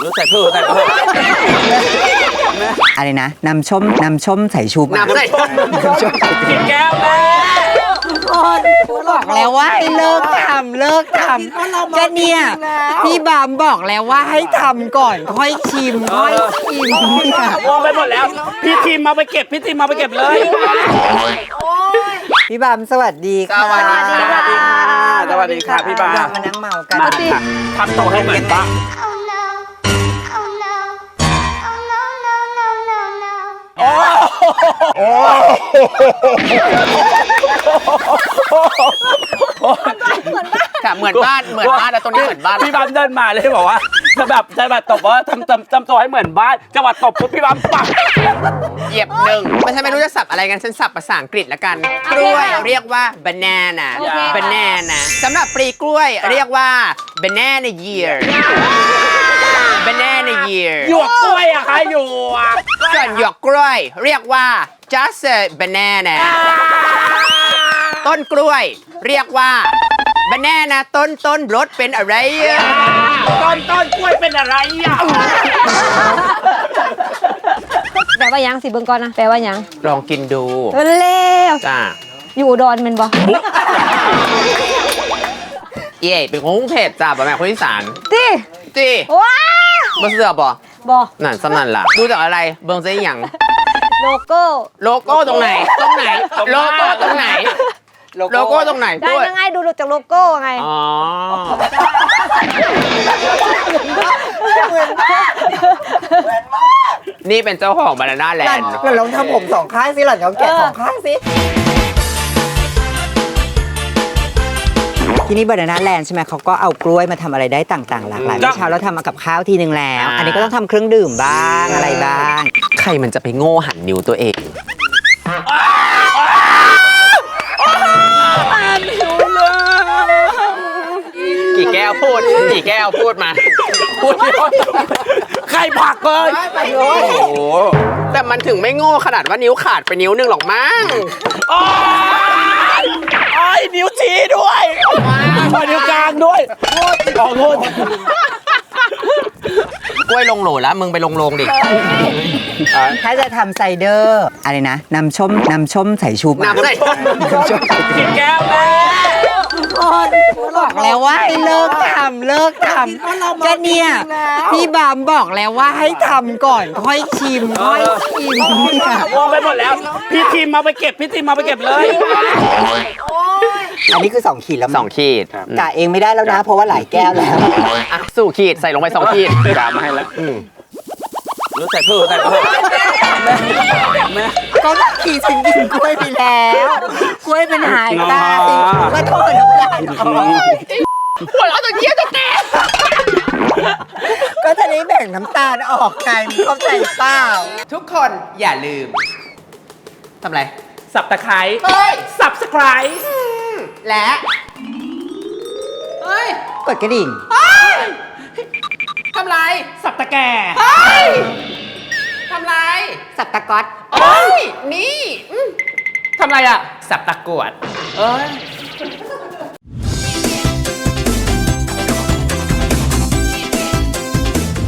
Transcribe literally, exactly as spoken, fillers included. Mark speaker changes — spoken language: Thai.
Speaker 1: รู้ใส่เพื่อใส่เพื่อ
Speaker 2: อะไรนะน้ำส้มน้ำส้มใส่ชู
Speaker 1: น้ำใส่กินแก้วแม่
Speaker 2: บอกแล้วว่าให้เลิกทำเลิกทำก็เนี่ยพี่บามบอกแล้วว่าให้ทำก่อนค่อยชิมค่อยชิมเนี่ย
Speaker 1: วางไปหมดแล้วพี่ทีมมาไปเก็บพี่ทีมมาไปเก็บเลย
Speaker 2: พี่บามสวัสดีค่ะ
Speaker 1: สวัสดีค่ะสวัสดีค่ะพี่บาม
Speaker 2: มานั่งเมากัน
Speaker 1: มาทำโตให้เหมือนบ้างโอ้โอ้
Speaker 3: ค่ะเหมือนบ้านเหมือนบ้านแล้วตรงนี้เหมือนบ้าน
Speaker 1: พี่บามเดินมาเลยบอกว่าจะแบบจะแบบตบว่าทำทำทำตัวให้เหมือนบ้านจังหวัดตบปุ๊บพี่บามปัก
Speaker 3: เหยียบหนึ่งไม่ใช่ไม่รู้จะสับอะไรกันฉันสับภาษาอังกฤษแล้วกันกล้วยเรียกว่า banana banana สำหรับปลีกล้วยเรียกว่า banana year banana year
Speaker 1: หยวกกล้วยอะค่ะหยวก
Speaker 3: ส่วนหยวกกล้วยเรียกว่า just a banana ต้นกล้วยเรียกว่า banana ต้นต้นรสเป็นอะไร
Speaker 1: ต้นต้นกล้วยเป็นอะไรอ่ะ
Speaker 4: แปลว่ายังสิเบิ่งก่อนนะแปลว่ายัง
Speaker 3: ลองกินดู
Speaker 4: เร็ว
Speaker 3: จ้า
Speaker 4: อยู่อุดรเป็นบ่
Speaker 3: เย่เป็นคนกรุงเทพจ้าบ่แม่คนอีสาน
Speaker 4: ติ
Speaker 3: ติ
Speaker 4: ว้า
Speaker 3: บ่เสือบ่
Speaker 4: บ่
Speaker 3: นั่นสำนั่นล่ะดูจากอะไรเบิ่งซิหยัง
Speaker 4: โลโก้
Speaker 3: โลโก้ตรงไหนตรงไหนโลโก้ตรงไหนโลโก้ตรงไหน
Speaker 4: ได้ยังไงดูจากโลโก้ไง
Speaker 3: อ๋อนี่เป็นเจ้าของบานาน่าแลนด์
Speaker 2: หล่อนลองทำผมสองข้างสิหล่อนลองแกะสองข้างสิที่นี่บานาน่าแลนด์ใช่ไหมเขาก็เอากล้วยมาทำอะไรได้ต่างๆหลากหลายเมื่อเช้าเราทำมากับข้าวทีนึงแล้วอันนี้ก็ต้องทำเครื่องดื่มบ้างอะไรบ้าง
Speaker 3: ใครมันจะไปโง่หันนิ้วตัวเองกี่แก้วพูดกี่แก้วพูดมาพูด
Speaker 1: ใครผักเลยโอ้โห
Speaker 3: แต่มันถึงไม่โง่ขนาดว่านิ้วขาดไปนิ้วนึงหรอกมั้ง
Speaker 1: โอ้ยนิ้วชี้ด้วยนิ้วกลางด้วยโอ้โห
Speaker 3: กล้วยลงโหลแล้วมึงไปลงโรงดิ
Speaker 2: ถ้าจะทำไซเดอร์อะไรนะน้ำส้มน้ำส้มใส่ชู
Speaker 3: น้ำใส่
Speaker 1: กินแก้วแม่
Speaker 2: บอกแล้วว่าให้เลิกทำเลิกทำก็เนี่ยพี่บามบอกแล้วว่าให้ทำก่อนค่อยชิมค่อยชิมเนี่
Speaker 1: ยวางไปหมดแล้วพี่ทีมมาไปเก็บพี่ทีมมาไปเก็บเลย
Speaker 2: อันนี้คือสองขีดแล้ว
Speaker 3: สองขีด
Speaker 2: กะเองไม่ได้แล้วนะเพราะว่าหลายแก้วแล้ว
Speaker 3: อ่ะสู่ขีดใส่ลงไปสองขีด
Speaker 1: กามาให้แล้วรู้ใส่เพื่อใส่เพื่อ
Speaker 2: แม่ก็ตักขีดฉันกินกล้วยไปแล้วกล้วยเป็นหายตาสิมาโทษน้ำตาล
Speaker 3: หัวเราะตัวเยี่ยจะแตก
Speaker 2: ก็จะได้แบ่งน้ำตาลออกไงมึงเข้าใจเปล่า
Speaker 3: ทุกคนอย่าลืมทำไร
Speaker 1: สับตะไคร้สับสไคร้
Speaker 3: และเฮ้ย
Speaker 2: กดกระดิ่ง
Speaker 3: ทำไร
Speaker 1: สับตะแก่
Speaker 3: ทำไร
Speaker 2: สับตะก๊อต
Speaker 3: โอ้ยนี่
Speaker 1: ทำไรอ่ะสับตะกวด
Speaker 3: เอ้ย